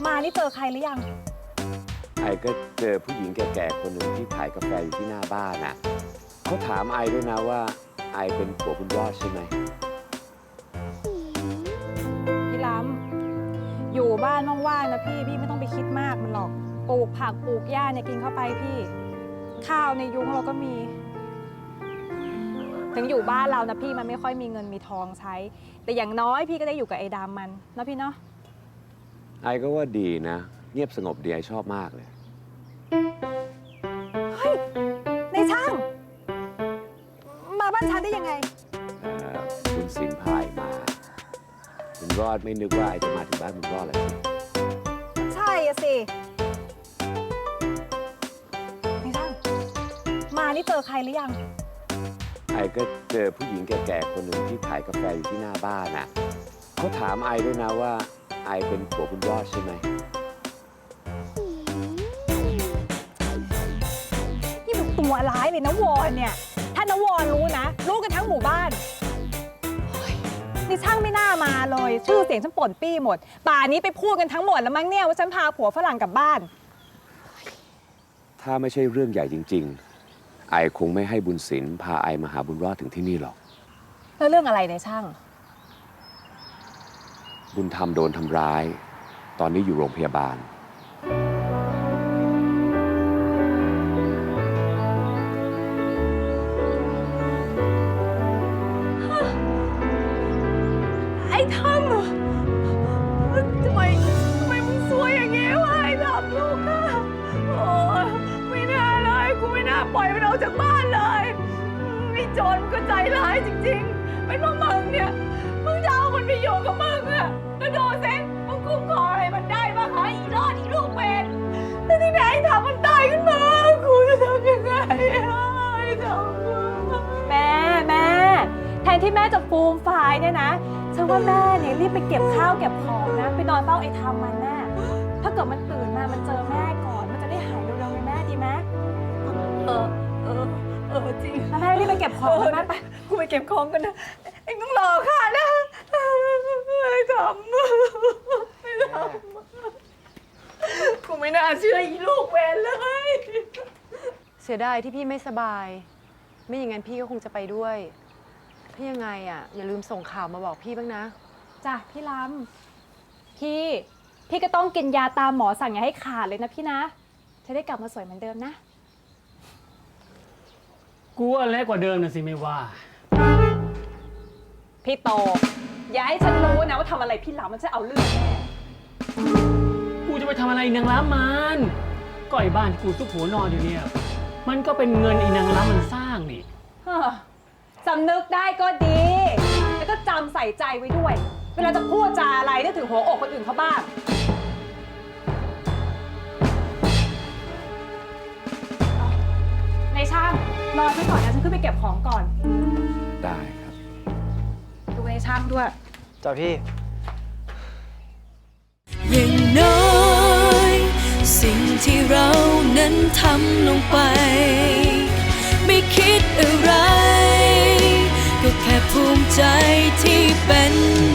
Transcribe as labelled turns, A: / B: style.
A: มานี่เจอใครหรือยัง
B: ไอก็เจอผู้หญิงแก่ๆคนหนึ่งที่ขายกาแฟอยู่ที่หน้าบ้านน่ะเขาถามไอด้วยนะว่าไอเป็นผัวคุณยอดใช่ไหม
A: พี่ล้ำอยู่บ้านว่างๆนะพี่ไม่ต้องไปคิดมากมันหรอกปลูกผักปลูกหญ้าเนี่ยกินเข้าไปพี่ข้าวในยุ้งเราก็มีถึงอยู่บ้านเรานะพี่มันไม่ค่อยมีเงินมีทองใช้แต่อย่างน้อยพี่ก็ได้อยู่กับไอ้ดำมันนะพี่เนาะ
B: ไอก็ว่าดีนะเงียบสงบดีไอชอบมากเลย
A: เฮ้ยในช่างมาบ้านฉันได้ยังไง
B: คุณสินพายมาคุณรอดไม่นึกว่าไอจะมาถึงบ้านคุณรอดเลย
A: ใช่อะสิในช่างมานี่เจอใครหรือยัง
B: ไอก็เจอผู้หญิงแก่ๆคนหนึ่งที่ขายกาแฟอยู่ที่หน้าบ้านน่ะเขาถามไอด้วยนะว่าไอเป็นผัวคุณยอดใช่ไหม
A: นี่มันตัวร้ายเลยนะวอนเนี่ยถ้านวอนรู้นะรู้กันทั้งหมู่บ้านนี่ช่างไม่น่ามาเลยชื่อเสียงฉันป่นปี้หมดป่านี้ไปพูดกันทั้งหมดแล้วมั้งเนี่ยว่าฉันพาผัวฝรั่งกลับบ้าน
B: ถ้าไม่ใช่เรื่องใหญ่จริงๆไอคงไม่ให้บุญศิลป์พาไอมาหาบุญรอดถึงที่นี่หรอก
A: แล้วเรื่องอะไรในช่าง
B: บุญธรรมโดนทำร้ายตอนนี้อยู่โรงพยาบาล
A: ไอ้ทำทำไมมึงซวยอย่างเงี้ยวะไอ้ทำลูกอะโอ้ยไม่น่าเลยกูไม่น่าปล่อยมันออกจากบ้านเลยไอ้โจรมันก็ใจร้ายจริงๆเป็นเพราะมึงเนี่ยมึงจะเอามันไปอยู่กับมึงอะแล้วดูสิมึงคุ้มครองอะไรมันได้บ้างฮะอีรอดอีลูกเป็นแต่ที่ไหนไอ้ทำมันตายขึ้นมากูจะทำยังไงไอ้ทำแม่แทนที่แม่จะฟูมฟายเนี่ยนะฉันว่าแม่เนี่ยรีบไปเก็บข้าวเก็บของนะไปนอนเฝ้าไอ้ทำมันแม่ถ้าเกิดมันตื่นมามันเจอแม่ก่อนมันจะได้หายเร็วๆเลยแม่ดีไหมจริงแม่รีบไปเก็บของแม่ไปกูไปเก็บของกันนะเอ็งต้องรอค่ะนะไอ้ทำกูไม่น่าเชื่ออีลูกเวรเลย
C: เสียดายที่พี่ไม่สบายไม่อย่างนั้นพี่ก็คงจะไปด้วยถ้ายังไงอ่ะอย่าลืมส่งข่าวมาบอกพี่บ้างนะ
A: จ้ะพี่ล้ำพี่ก็ต้องกินยาตามหมอสั่งอย่าให้ขาดเลยนะพี่นะจะได้กลับมาสวยเหมือนเดิมนะ
D: กูว่าเล็กกว่าเดิมนะสิไม่ว่า
A: พี่โตอย่าให้ฉันรู้นะว่าทำอะไรพี่ล้ำมันจะเอาเรื่องแน่
D: กูจะไปทำอะไรนางล้ำมันก็ไอ้บ้านกูซุกหัวนอนอยู่เนี่ยมันก็เป็นเงินไอ้นางล้ำมันสร้างนี่
A: สำนึกได้ก็ดีแล้วก็จำใส่ใจไว้ด้วยเวลาจะพูดจาอะไรนึกถึงหัวอกคนอื่นเขาบ้างในช่างรอฉันก่อนนะฉันขึ้นไปเก็บของก่อน
B: ได้ครับ
A: ดูในช่างด้วย
E: จ้าพี่
F: อย่างน้อยสิ่งที่เรานั้นทำลงไปไม่คิดอะไรก็แค่ภูมิใจที่เป็น